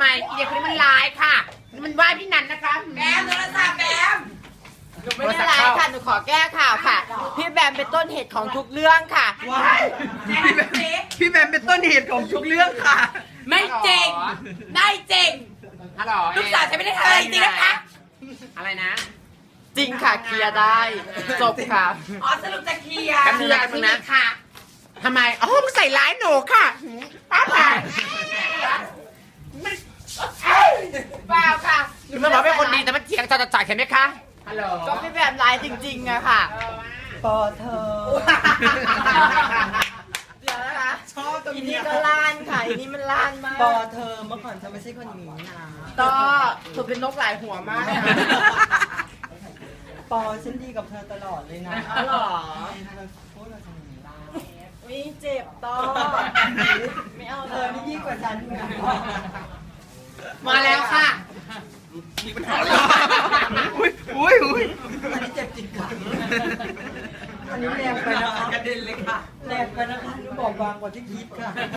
มอีเด็กคนนี้มันร้ายค่ะมันว่าพี่นันนะคะแบมโทรศัพท์แบมหนูไม่ได้ร้ายค่ะหนูขอแก้ข่าวค่ะพี่แบมเป็นต้นเหตุของทุกเรื่องค่ะพี่แบมเป็นต้นเหตุของทุกเรื่องค่ะไม่จริงได้จริงฮัลโหลลูกสาวฉันไม่ได้ทำอะไรจริงนะคะอะไรนะจริงค่ะเคลียร์ได้จบค่ะอ๋อสรุปจะเคลียร์เคลียร์ที่นี่ค่ะทำไมอ๋อมึงใส่ร้ายหนูค่ะป้าผ่านเปล่าค่ะมันบอกเป็นคนดีแต่มันเถียงจ่ายเห็นไหมคะฮัลโหลก็พี่แบมร้ายจริงๆอะค่ะปอเธอเดี๋ยวนะคะชอบตรงอีนี้นี่ก็ล้านค่ะอีนี่มันล้านมากปอเธอเมื่อก่อนฉันไม่ใช่คนนี้นะก็เธอเป็นนกหลายหัวมากนะปอฉันดีกับเธอตลอดเลยนะอ๋อเหรอเธอพูดเราทำอย่างนี้ได้วิเจ็บต่อไม่เอาเธอนี่ยิ่งกว่าฉันอีกนะมาแล้วค่ะอุ้ยอันนี้เจ็บจริงค่ะอันนี้แรงไปนะคะกระเด็นเลยค่ะแรงไปนะคะหนูบอกบางกว่าที่คิดค่ะ